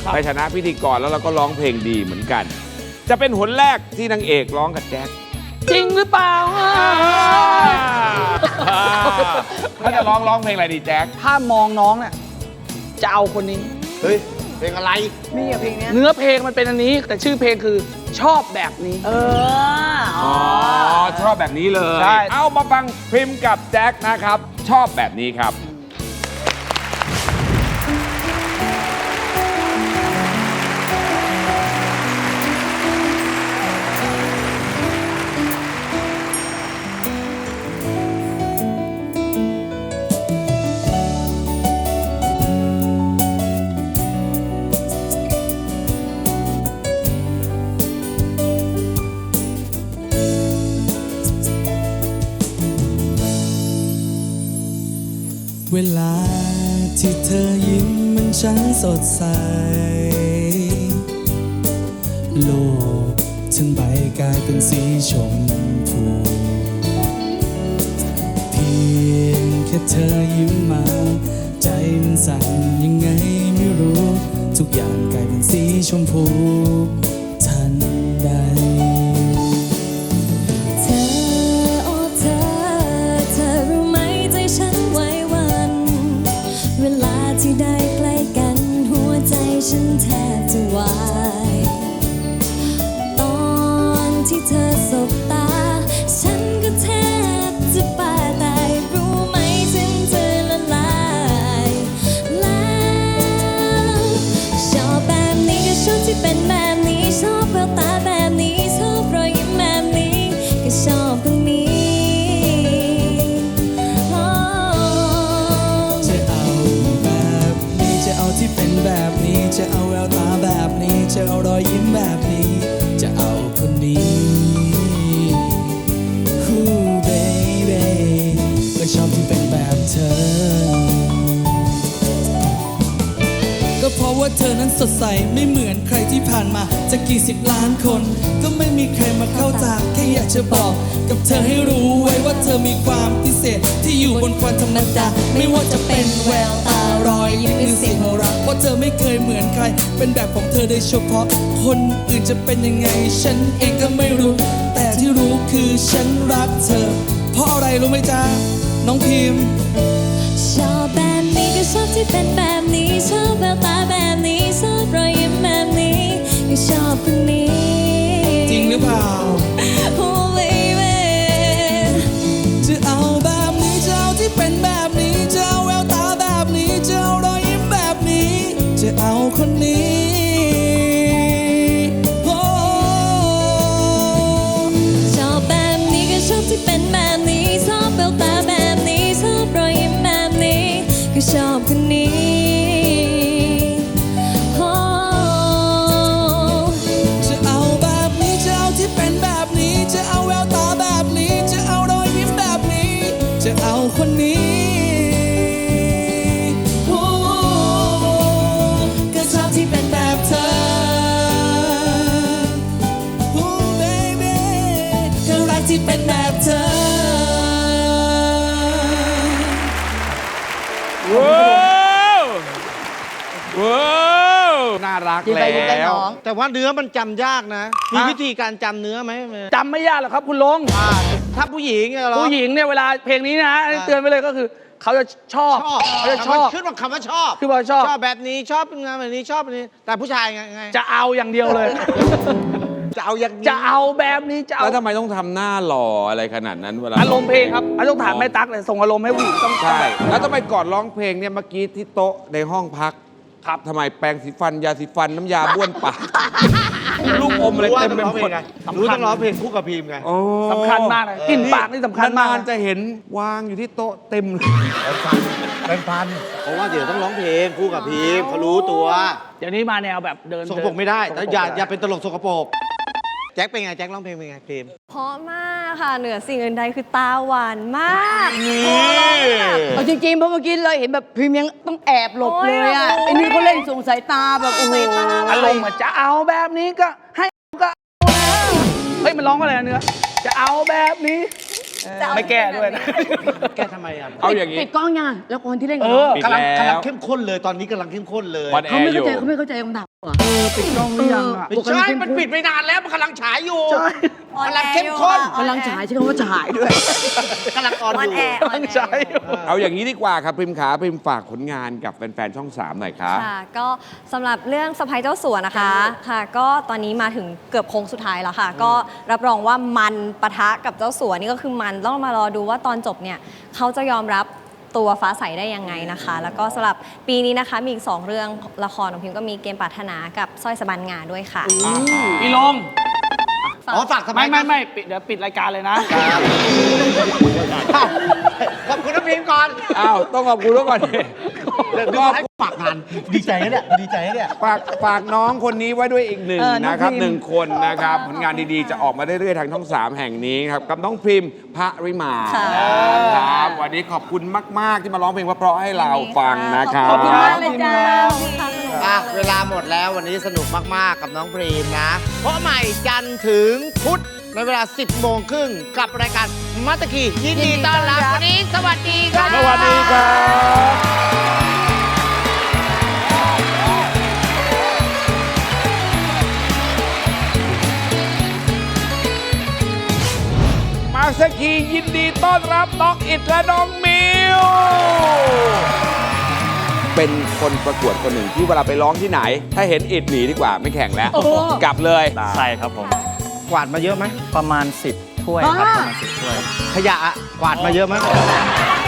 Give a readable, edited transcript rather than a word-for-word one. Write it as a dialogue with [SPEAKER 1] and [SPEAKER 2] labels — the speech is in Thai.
[SPEAKER 1] ในฐานะพิธีกรแล้วเราก็ร้องเพลงดีเหมือนกัน จะเป็นหนแรกที่นางเอกร้องกับแจ็ค
[SPEAKER 2] จริงหรือเปล่า
[SPEAKER 1] เขาจะร้องเพลงอะไรดีแจ็ค
[SPEAKER 2] ถ้ามองน้องเนี่ยจะเอาคนนี้
[SPEAKER 3] เฮ้ยเพลงอะไร
[SPEAKER 4] นี่อะเพลงเนี้ย
[SPEAKER 2] เนื้อเพลงมันเป็นอันนี้ แต่ชื่อเพลงคือชอบแบบนี้
[SPEAKER 1] อ๋อชอบแบบนี้เลย
[SPEAKER 2] ใช่
[SPEAKER 1] เอามาฟังพริมกับแจ็คนะครับ ชอบแบบนี้ครับ
[SPEAKER 5] เวลาที่เธอยิ้มมันช่างสดใสโลกทั้งใบกลายเป็นสีชมพูเพียงแค่เธอยิ้มมาใจมันสั่นยังไงไม่รู้ทุกอย่างกลายเป็นสีชมพูทันใด
[SPEAKER 6] เธอโอ้เธอ เธอรู้ไหมใจฉันไหวหวั่นเวลาที่ได้ใกล้กันหัวใจฉันแทบจะวายตอนที่เธอสบตาฉันก็แทบจะปาตายรู้ไหมถึงเธอละลายแล้วชอบแบบนี้ก็ชอบที่เป็นแบบนี้ชอบแววตาแบบนี้ชอบรอยยิ้มแบบนี้ก็ชอบตรงนี้
[SPEAKER 5] จะเอาแบบนี้จะเอาที่เป็นแบบนี้จะเอาแววตาแบบนี้จะเอารอยยิ้มแบบนี้จะเอาคนนี้คู่เบบีก็ชอบที่เป็นแบบเธอ ก็เพราะว่าเธอนั้นสดใสไม่เหมือนใครที่ผ่านมาจะกี่สิบล้านคน ก็ไม่มีใครมาเข้าตาแค่อยากจะบอกกับเธอให้รู้ไว้ว่าเธอมีความพิเศษที่อยู่บนความธรรมดาไม่ว่าจะเป็นแววตารอยยิ้มหรือเสียงหัวเราะเพราะเธอไม่เคยเหมือนใครเป็นแบบของเธอโดยเฉพาะคนอื่นจะเป็นยังไงฉันเองก็ไม่รู้แต่ที่รู้คือฉันรักเธอเพราะอะไรรู้ไหมจ๊ะน้องพิมพ์
[SPEAKER 6] ชอบแบบนี้ก็ชอบที่เป็นแบบนี้ชอบแววตาแบบนี้ชอบรอยยิ้มแบบนี้ก็ชอบคนนี้
[SPEAKER 5] จริงหรือเปล่า
[SPEAKER 6] Oh baby
[SPEAKER 5] จะเอาแบบนี้จะเอาที่เป็นแบบนี้จะเอาแววตาแบบนี้จะเอารอยยิ้มแบบนี้จะเอาคนนี้โอ้
[SPEAKER 6] ชอบแบบนี้ก็ชอบที่เป็นแบบนี้ชอบแววตาแบบนี้ชอบรอยยิ้มแบบนี้ก็ชอบคนนี้
[SPEAKER 5] จะเอาแบบนี้จะเอาที่เป็นแบบนี้จะเอาแววตาแบบนี้จะเอารอยยิ้มแบบนี้จะเอาคนนี้โอ้ก็ชอบที่เป็นแบบเธอโอ้ baby ก็รักที่เป็นแบบเธอ
[SPEAKER 1] ว้าวว้าวน่ารัก
[SPEAKER 4] กินไปกินไป
[SPEAKER 1] แล้ว
[SPEAKER 4] น้อง
[SPEAKER 3] แต่ว่าเนื้อมันจำยากนะ มีวิธีการจำเนื้อไหม
[SPEAKER 2] จำไม่ยากหรอกครับคุณลง
[SPEAKER 3] ถ้าผู้หญิงเหรอ
[SPEAKER 2] ผู้หญิงเนี่ยเวลาเพลงนี้นะเตือนไปเลยก็คือเขาจะชอบ
[SPEAKER 3] ชอบ
[SPEAKER 2] เขาจะชอบ
[SPEAKER 3] ขึ้นว่าคำว่าชอบ
[SPEAKER 2] คือว่าชอบ
[SPEAKER 3] ชอบแบบนี้ชอบงานแบบนี้ชอบแบบนี้ แต่ผู้ชายไง
[SPEAKER 2] จะเอาอย่างเดียวเลย
[SPEAKER 3] จะเอาอย่างนี้
[SPEAKER 2] จะเอาแบบนี้จะเอา
[SPEAKER 1] แล้วทำไมต้องทำหน้าหล่ออะไรขนาดนั้นเวลา
[SPEAKER 2] อารมณ์เพลงครับต้องถามแม่ตั๊กเลยส่งอารมณ์ให้ผู้หญิงต้อง
[SPEAKER 1] ใช่แล้วทำไมก่อนร้องเพลงเนี่ยเมื่อกี้ที่โต๊ะในห้องพักครับทำไมแปรงสีฟันยาสีฟันน้ำยาบ้วนปากลูกอมอะไร
[SPEAKER 3] รู้ว่า
[SPEAKER 1] เต็ม
[SPEAKER 3] ต้อง
[SPEAKER 1] ไป
[SPEAKER 3] ร้อง
[SPEAKER 1] ห
[SPEAKER 3] เพ
[SPEAKER 1] ม
[SPEAKER 3] ล
[SPEAKER 1] ด
[SPEAKER 3] งไงรู้ต้องร้องเพลงคู่กับพีมไง
[SPEAKER 1] โอ้
[SPEAKER 2] สำคัญมากเลยกลิ่นปากนี่สำคัญมาก
[SPEAKER 1] นานๆจะเห็นวางอยู่ที่โต๊ะเต็มเลย
[SPEAKER 3] เพราะว่าเดี๋ยวต้องร้องเพลงคู่กับพีมเขารู้ตัว
[SPEAKER 2] เดี๋ยวนี้มาแนวแบบเดิน
[SPEAKER 3] สกปรกไม่ได้
[SPEAKER 2] สกปร
[SPEAKER 3] แต่
[SPEAKER 2] ก
[SPEAKER 3] อย่าเป็นตลกสกปรกแจ็คเป็นไงแจ็คร้องเพลงเป็นไงพีม
[SPEAKER 6] เพราะมากค่ะเหนือสิ่งอื่นใดคือตาหวานมาก
[SPEAKER 4] เอาจริงๆเพราะเมื่อกี้เราเห็นแบบพรีเมียมต้องแอบหลบเลยอ่ะ
[SPEAKER 6] โอ้ย
[SPEAKER 4] ไอ้นี่เขาเล่นส่งสายตาแบบโอ้โห
[SPEAKER 6] สายตา
[SPEAKER 2] อารมณ์เหมือนจะเอาแบบนี้ก็ให้ก็เอาแล้วเฮ้ยมันร้องว่าอะไรนะเนื้อจะเอาแบบนี้ไม่แก้ด้วยนะ
[SPEAKER 3] แกทำไมอ่ะ
[SPEAKER 1] เอาอย่างนี้
[SPEAKER 4] ปิดกล้องยังละครที่เล่น
[SPEAKER 2] เอ
[SPEAKER 4] กับน้
[SPEAKER 2] อ
[SPEAKER 4] อง
[SPEAKER 1] ปิด
[SPEAKER 3] กำลัง
[SPEAKER 1] แล้ว
[SPEAKER 3] เข้มข้นเลยตอนนี้กำลังเข้มข้นเลย
[SPEAKER 1] ออนแอ
[SPEAKER 4] เขา
[SPEAKER 1] ร์
[SPEAKER 4] ไม่
[SPEAKER 1] อยู่
[SPEAKER 4] เข้าใจคำถามเหรอ
[SPEAKER 2] ปิดกล้องหรือยังอ่ะ
[SPEAKER 3] ไม่ใช่มันปิดไปนานแล้วมันกำลังฉายอยู่
[SPEAKER 2] ใช่
[SPEAKER 3] กำลังเข้มข้น
[SPEAKER 4] กำลังฉายใช่คำว่าฉายด้วย
[SPEAKER 3] กำลังออนอยู่
[SPEAKER 2] ตั้งใจอยู่
[SPEAKER 1] เอาอย่างนี้ดีกว่าครับพิมขาพิมฝากผลงานกับแฟนๆช่อง 3 หน่อยครับ
[SPEAKER 7] ค่ะก็สำหรับเรื่องสะพ้ายเจ้าสัวนะคะค่ะก็ตอนนี้มาถึงเกือบโค้งสุดท้ายแล้วค่ะ ก็รับรองว่ามันปะทะกับเจ้าสัวนี่ก็คือมันต้องมารอดูว่าตอนจบเนี่ยเขาจะยอมรับตัวฟ้าใสได้ยังไงนะคะ แล้วก็สำหรับปีนี้นะคะมีอีก 2 เรื่องละครของพิมก็มีเกมปรารถนากับสร้อยสะบันงาด้วยค่ะ
[SPEAKER 2] พี่ลง
[SPEAKER 3] อ๋อฝากสมั
[SPEAKER 2] ไม่ปิดเดี๋ยวปิดรายการเลยนะ
[SPEAKER 3] ขอบคุณน้ำพิมพ์ก่อน
[SPEAKER 1] อ้าว ต้องขอบคุณทุกคน
[SPEAKER 3] ก็ให้ฝากงานดีใจนะเนี่ยดีใจนะเนี่ย
[SPEAKER 1] ฝากน้องคนนี้ไว้ด้วยอีกหนึ่ง
[SPEAKER 4] น้อง
[SPEAKER 1] นะครับ
[SPEAKER 4] พริม
[SPEAKER 1] หนึ่งคนนะครับ ผลงานดีๆ จะออกมาเรื่อยๆทางช่อง 3 แห่งนี้ครับ กับน้องพริมพระริมา
[SPEAKER 7] ค่ะ
[SPEAKER 1] ครับ วันนี้ขอบคุณมาก ๆ ที่มาร้องเพลงเพราะๆให้เราฟังนะครับ
[SPEAKER 7] ขอบคุณมาก
[SPEAKER 4] เลยจ้า
[SPEAKER 3] เวลาหมดแล้ววันนี้สนุกมาก ๆ กับน้องพรีมนะ เพราะใหม่จันทร์ถึงพุธในเวลา 10 โมงครึ่งกับรายการมัตตคียินดีต้อนรับ วันนี้สวัสดีครับ
[SPEAKER 1] สวัสดีครับ มาสกียินดีต้อนรับน้องอิดและน้องมิว เป็นคนประกวดคนหนึ่งที่เวลาไปร้องที่ไหน ถ้าเห็นอิดหนีดีกว่าไม่แข่งแล้ว กลับเลย
[SPEAKER 8] ใช่ครับผม
[SPEAKER 3] กวาดมาเยอะไหม
[SPEAKER 8] ประมาณ 10 ถ้วยครับ ประมาณ 10 ถ้วย
[SPEAKER 3] ขยะอะกวาดมาเยอะไหม